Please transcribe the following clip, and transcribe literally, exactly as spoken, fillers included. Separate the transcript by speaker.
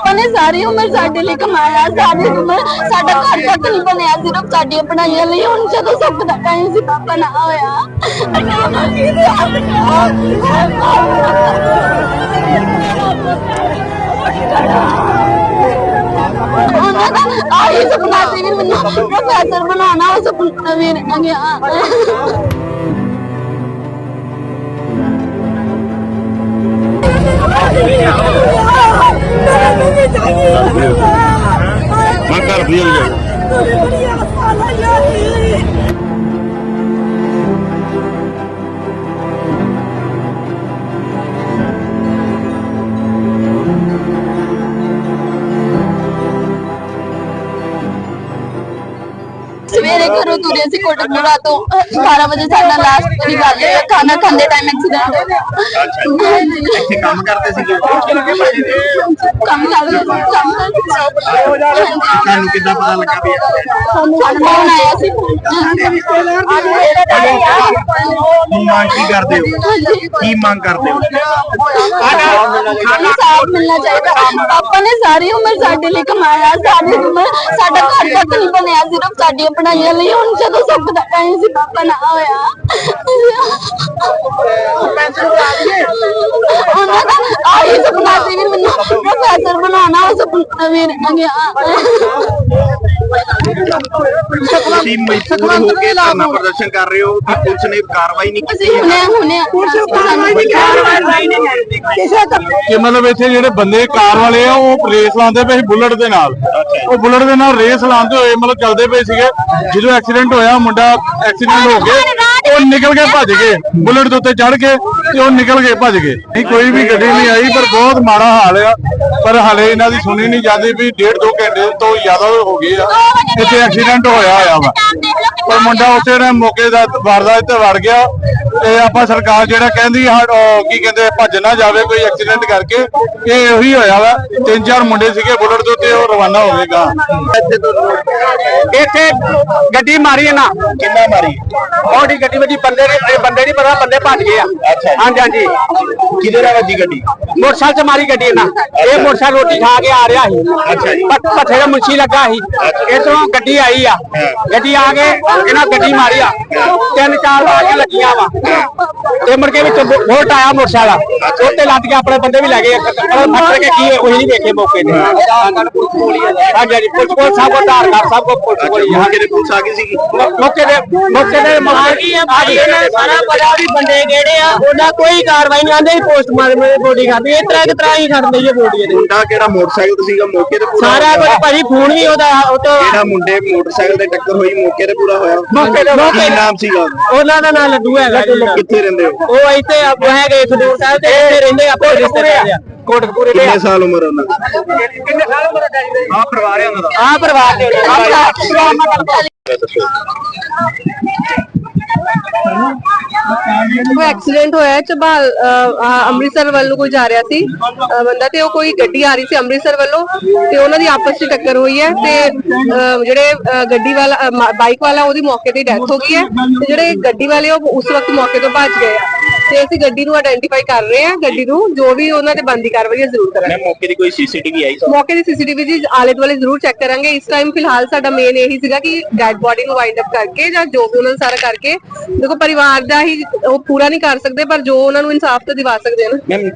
Speaker 1: पापा ने सारी उम्र साडे लिए कमाया, सारी उम्र साडा घर तक नहीं बनया, सिर्फ साडियां पढ़ाइयां लिए। हुण जदों सुख दा टाइम सी पापा ना होया। उन्हां दा आही सपना सी भी मैनूं प्रोफेसर बनाना, उस सपना भी रह गया।
Speaker 2: मैं घर भी हो
Speaker 1: सवेरे घरों तुरे सी कोटकपुरा तो बारह बजे साडा लास्ट वाली गल है, खाना खांदे टाइम एक्सीडेंट हो गया।
Speaker 2: ਇੱਥੇ ਕੰਮ ਕਰਦੇ ਸੀਗੇ
Speaker 1: ਕੰਮ ਕਰਦੇ ਸੀ, ਕੰਮ ਕਰਦੇ ਸੀ।
Speaker 2: ਤੁਹਾਨੂੰ ਕਿੱਦਾਂ ਪਤਾ ਲੱਗਾ ਵੀ
Speaker 1: ਸਾਨੂੰ ਫੋਨ ਆਇਆ ਸੀ।
Speaker 2: ਕੀ ਮੰਗ ਕੀ ਕਰਦੇ ਹੋ, ਕੀ ਮੰਗ ਕਰਦੇ ਹੋ?
Speaker 1: इंसाफ मिलना चाहिए। पापा ने सारी उम्र साडे लिए कमाया, सारी उम्र साडा घर तक नहीं बनया, सिर्फ साडियां पढ़ाइयां लिए। हुण जदों सुख दा टाइम सी पापा ना होया। उन्हां दा आही सपना सी भी मैनूं प्रोफेसर बनाना, उस सपना भी रह गया।
Speaker 2: ਤੁਸੀਂ ਮਜਬੂਰ ਹੋ ਕੇ ਧਰਨਾ ਪ੍ਰਦਰਸ਼ਨ ਕਰ ਰਹੇ ਹੋ ਕਿ ਪੁਲਿਸ ਨੇ ਕਾਰਵਾਈ ਨਹੀਂ ਕੀਤੀ?
Speaker 1: ਅਸੀਂ ਹੁਣੇ ਹੁਣੇ
Speaker 3: ਕਿ ਮਤਲਬ ਇੱਥੇ ਜਿਹੜੇ ਬੰਦੇ ਕਾਰ ਵਾਲੇ ਆ ਉਹ ਰੇਸ ਲਾਉਂਦੇ ਪਏ ਸੀ ਬੁਲਟ ਦੇ ਨਾਲ। ਉਹ ਬੁਲਟ ਦੇ ਨਾਲ ਰੇਸ ਲਾਉਂਦੇ ਹੋਏ ਮਤਲਬ ਚੱਲਦੇ ਪਏ ਸੀਗੇ। ਜਦੋਂ ਐਕਸੀਡੈਂਟ ਹੋਇਆ, ਮੁੰਡਾ ਐਕਸੀਡੈਂਟ ਹੋ ਕੇ ਉਹ ਨਿਕਲ ਕੇ ਭੱਜ ਗਏ, ਬੁਲਟ ਦੇ ਉੱਤੇ ਚੜ ਕੇ ਤੇ ਉਹ ਨਿਕਲ ਕੇ ਭੱਜ ਗਏ। ਨਹੀਂ ਕੋਈ ਵੀ ਗੱਡੀ ਨਹੀਂ ਆਈ, ਪਰ ਬਹੁਤ ਮਾੜਾ ਹਾਲ ਆ। ਪਰ ਹਲੇ ਇਹਨਾਂ ਦੀ ਸੁਣੀ ਨਹੀਂ ਜਾਂਦੀ ਵੀ ਡੇਢ ਦੋ ਘੰਟੇ ਤੋਂ ਜ਼ਿਆਦਾ ਹੋ ਗਏ ਆ ਇੱਥੇ ਐਕਸੀਡੈਂਟ ਹੋਇਆ ਹੋਇਆ ਵਾ। ਪਰ ਮੁੰਡਾ ਉਸੇ ਨੇ ਮੌਕੇ ਦਾ ਵਾਰਦਾਤ ਤੇ ਵੜ ਗਿਆ। ਤੇ ਆਪਾਂ ਸਰਕਾਰ ਜਿਹੜਾ ਕਹਿੰਦੀ ਕੀ ਕਹਿੰਦੇ ਭੱਜ ਨਾ ਜਾਵੇ ਕੋਈ ਐਕਸੀਡੈਂਟ ਕਰਕੇ, ਇਹ ਉਹੀ ਹੋਇਆ ਵਾ। ਤਿੰਨ ਚਾਰ ਮੁੰਡੇ ਸੀਗੇ ਬੁਲਟ ਦੇ ਉੱਤੇ, ਉਹ ਰਵਾਨਾ ਹੋਵੇਗਾ।
Speaker 4: ਇੱਥੇ ਗੱਡੀ ਮਾਰੀ ਹੈ ਨਾ,
Speaker 2: ਕਿੰਨਾ ਮਾਰੀ?
Speaker 4: ਉਹਦੀ ਗੱਡੀ ਵੱਜੀ, ਬੰਦੇ ਨੇ ਬੰਦੇ ਨਹੀਂ ਪਤਾ, ਬੰਦੇ ਭੱਜ ਗਏ ਆ। ਹਾਂਜੀ ਹਾਂਜੀ।
Speaker 2: ਕਿਹਦੇ ਨਾਲ ਵੱਜੀ ਗੱਡੀ?
Speaker 4: ਮੋਟਰਸਾਈਕਲ ਚ ਮਾਰੀ ਗੱਡੀ ਇਹਨਾਂ। ਇਹ ਮੋਟਰਸਾਈਕਲ ਰੋਟੀ ਖਾ ਕੇ ਆ ਰਿਹਾ ਸੀ,
Speaker 2: ਅੱਛਾ ਜੀ।
Speaker 4: ਪੱਠੇ ਦਾ ਮੁੰਸ਼ੀ ਲੱਗਾ ਸੀ। ਇਧਰੋਂ ਗੱਡੀ ਆਈ ਆ, ਗੱਡੀ ਆ ਕੇ ਇਹਨਾਂ ਗੱਡੀ ਮਾਰੀ ਆ। ਤਿੰਨ ਚਾਰ ਆ ਕੇ ਲੱਗੀਆਂ ਵਾ ਤੇ ਮੁੜ ਕੇ ਵਿੱਚ ਵੋਟ ਆਇਆ ਮੋਟਰਸਾਈਕਲ ਉੱਤੇ ਲੱਦ ਕੇ ਆਪਣੇ ਬੰਦੇ ਵੀ ਲੈ ਗਏ। ਫੱਟ ਕੇ ਕੀ ਉਹੀ ਨਹੀਂ ਵੇਖੇ ਮੌਕੇ ਤੇ। ਹਾਂਜੀ ਹਾਂਜੀ। ਪੁਲਿਸ ਕੋਲ ਸਭ ਕੋ ਧਾਰ ਕਰ ਸਭ ਕੋ ਪੁਲਿਸ ਕੋਲ
Speaker 2: ਮੌਕੇ ਤੇ ਪੁਲਿਸ ਆ ਗਈ ਸੀਗੀ?
Speaker 4: ਮੌਕੇ ਦੇ ਮੌਕੇ ਦੇ ਆ ਗਈ ਆ ਭਾਈ। ਇਹਨਾਂ ਸਾਰਾ ਪਤਾ ਵੀ ਬੰਦੇ ਕਿਹੜੇ ਆ, ਉਹਨਾਂ ਕੋਈ ਕਾਰਵਾਈ ਨਹੀਂ ਆਂਦੇ। ਪੋਸਟਮਾਰਟਮ ਦੀ ਬੋਡੀ ਖਾਦੀ ਇਸ ਤਰ੍ਹਾਂ ਕਿਸ ਤਰ੍ਹਾਂ ਹੀ ਖੜਦੇ ਜੀ ਬੋਡੀ ਦੇ।
Speaker 2: ਮੁੰਡਾ ਕਿਹੜਾ ਮੋਟਰਸਾਈਕਲ ਤੇ ਸੀਗਾ ਮੌਕੇ ਤੇ ਪੂਰਾ?
Speaker 4: ਸਾਰਾ ਕੁਝ ਭਾਜੀ ਫੋਨ ਵੀ ਉਹਦਾ ਉਹ ਤੋਂ
Speaker 2: ਜਿਹੜਾ ਮੁੰਡੇ ਮੋਟਰਸਾਈਕਲ ਤੇ ਟੱਕਰ ਹੋਈ ਮੌਕੇ ਤੇ ਪੂਰਾ ਹੋਇਆ?
Speaker 4: ਮੌਕੇ ਤੇ
Speaker 2: ਕੀ ਨਾਮ ਸੀਗਾ?
Speaker 4: ਉਹਨਾਂ ਦਾ ਨਾਮ ਲੱਡੂ ਹੈਗਾ ਜੀ।
Speaker 2: ਕਿੱਥੇ ਰਹਿੰਦੇ ਹੋ?
Speaker 4: ਉਹ ਇੱਥੇ ਹੈਗੇ ਖਡੂਰ ਸਾਹਿਬ ਤੇ ਇੱਥੇ ਰਹਿੰਦੇ ਆਪਾਂ ਰਿਸ਼ਤੇਦਾਰ ਆ ਕੋਟਕਪੂਰੇ ਦੇ।
Speaker 2: ਕਿੰਨੇ ਸਾਲ ਉਮਰ ਉਹਨਾਂ ਦੀ?
Speaker 4: ਕਿੰਨੇ ਸਾਲ ਉਮਰ ਦਾ ਜੀ?
Speaker 2: ਆ ਪਰਿਵਾਰ ਹੈ ਉਹਨਾਂ ਦਾ?
Speaker 4: ਆ ਪਰਿਵਾਰ ਦੇ
Speaker 5: ਕੋਈ ਐਕਸੀਡੈਂਟ ਹੋਇਆ ਝਬਾਲ ਅੰਮ੍ਰਿਤਸਰ ਵੱਲੋਂ ਕੋਈ ਜਾ ਰਿਹਾ ਸੀ ਬੰਦਾ, ਤੇ ਉਹ ਕੋਈ ਗੱਡੀ ਆ ਰਹੀ ਸੀ ਅੰਮ੍ਰਿਤਸਰ ਵੱਲੋਂ, ਤੇ ਉਹਨਾਂ ਦੀ ਆਪਸ ਵਿੱਚ ਟੱਕਰ ਹੋਈ ਹੈ। ਤੇ ਜਿਹੜੇ ਗੱਡੀ ਵਾਲਾ ਬਾਈਕ ਵਾਲਾ ਉਹਦੀ ਮੌਕੇ ਤੇ ਡੈਥ ਹੋ ਗਈ ਹੈ, ਤੇ ਜਿਹੜੇ ਗੱਡੀ ਵਾਲੇ ਉਹ ਉਸ ਵਕਤ ਮੌਕੇ ਤੋਂ ਭੱਜ ਗਏ ਆ। ਤੇ ਅਸੀਂ ਗੱਡੀ ਨੂੰ ਆਇਡੈਂਟੀਫਾਈ ਕਰ ਰਹੇ ਹਾਂ, ਗੱਡੀ ਨੂੰ ਜੋ ਵੀ ਉਹਨਾਂ ਤੇ ਬਣਦੀ ਕਾਰਵਾਈ ਜ਼ਰੂਰ ਕਰਾਂਗੇ।
Speaker 2: ਮੌਕੇ ਦੀ ਕੋਈ ਸੀਸੀਟੀਵੀ ਆਈ?
Speaker 5: ਮੌਕੇ ਦੀ ਸੀਸੀਟੀਵੀ ਜੀ ਆਲੇ ਦੁਆਲੇ ਜ਼ਰੂਰ ਚੈੱਕ ਕਰਾਂਗੇ। ਇਸ ਟਾਈਮ ਫਿਲਹਾਲ ਸਾਡਾ ਮੇਨ ਇਹੀ ਸੀਗਾ ਕਿ ਡੈਡ ਬੋਡੀ ਨੂੰ ਵਾਈਂਡ ਅਪ ਕਰਕੇ ਜਾਂ ਜੋ ਵੀ ਉਹਨਾਂ ਨੂੰ ਸਾਰਾ ਕਰਕੇ, ਦੇਖੋ ਪਰਿਵਾਰ ਦਾ ਹੀ ਉਹ ਪੂਰਾ ਨਹੀਂ ਕਰ ਸਕਦੇ, ਪਰ ਜੋ ਉਹਨਾਂ ਨੂੰ ਇਨਸਾਫ ਤਾਂ ਦਿਵਾ ਸਕਦੇ ਹਨ।